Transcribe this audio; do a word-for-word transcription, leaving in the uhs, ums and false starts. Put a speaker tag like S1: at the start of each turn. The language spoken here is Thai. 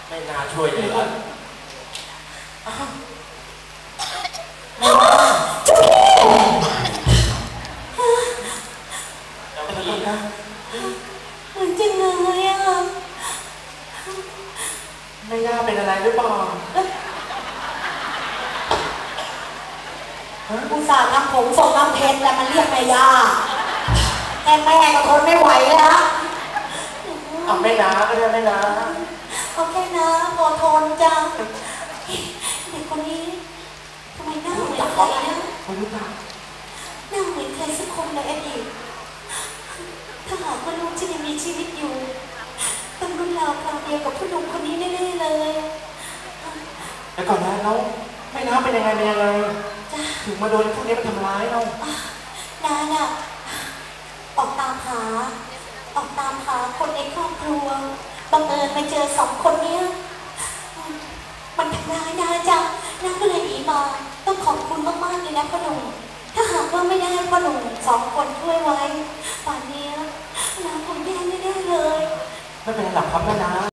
S1: ไม่น่าช่วยเลยเหรอ
S2: ไม่ว่า
S1: เจ้าพี่นะ
S2: เหมือนจะเหนื่อยอ่ะ
S1: ไม่น่าเป็นอะไรหรือเปล่า
S2: อุตส่าห์ทำผมทรงน้ำเพชรแต่มันเรียกแม่ย่าแม่แม่ก็ทนไม่ไหวแล้ว
S1: เอาไม่นะก็ได้ไม่นะ
S2: โอเคนะพอทนจ้ะเด็กคนนี้ทำไมหน้าเหมือนใครนะ
S1: ไม่รู้จัก
S2: หน้าเหมือนใครสักคนในอดีตถ้าหากว่าลูกจะยังมีชีวิตอยู่ต้องรุ่นราวคราวเดียวกับผู้หนุ่มคนนี้แน่ๆเลย
S1: แล้วก่อนนะเราไม่น้าเป็นยังไงเป็นยังไงถึงมาโดนพวกนี้มาทำร้ายเรา
S2: น้าน่ะออกตามหาออกตามหาคนในครอบครัวบังเอิญมาเจอสองคนเนี้ยมันทำร้ายน้าจ้ะน้าก็เลยหนีมาต้องขอบคุณมากๆเลยนะพ่อหนุ่มถ้าหากว่าไม่ได้พ่อหนุ่มสองคนช่วยไว้ป่านนี้น้าคงแย่แน่ๆเลย
S1: ไม่เป็นไรหรอกครับแม่น้า